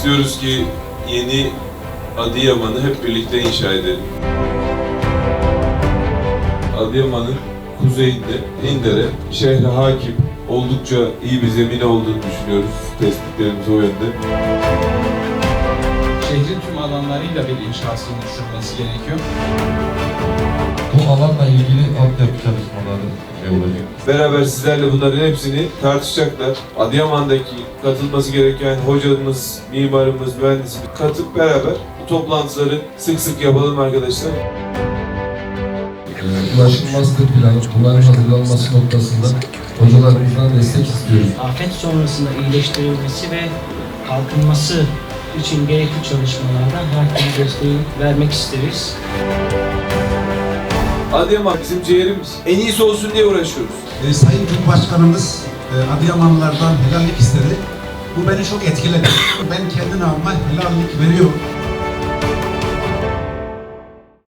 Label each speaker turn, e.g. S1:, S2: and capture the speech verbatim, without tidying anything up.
S1: İstiyoruz ki yeni Adıyaman'ı hep birlikte inşa edelim. Adıyaman'ın kuzeyinde İndere, şehre hakim, oldukça iyi bir zemin olduğunu düşünüyoruz. Tespitlerimiz o yönde.
S2: Şehrin tüm alanlarıyla bir inşasının sürmesi gerekiyor.
S3: Bu alanla ilgili altyapı çalışmaları olacak.
S1: Beraber sizlerle bunların hepsini tartışacaklar. Adıyaman'daki katılması gereken hocamız, mimarımız, mühendisimiz katıp beraber bu toplantıları sık sık yapalım arkadaşlar.
S3: Ulaşım master planı, bunların hazırlanması noktasında hocalarımızdan destek istiyoruz.
S4: Afet sonrasında iyileştirilmesi ve kalkınması için gerekli çalışmalarda her türlü desteği vermek isteriz.
S1: Adıyaman bizim ciğerimiz. En iyisi olsun diye uğraşıyoruz.
S5: E, Sayın Cumhurbaşkanımız e, Adıyamanlılardan helallik istedi. Bu beni çok etkiledi. Ben kendi namıma helallik veriyorum.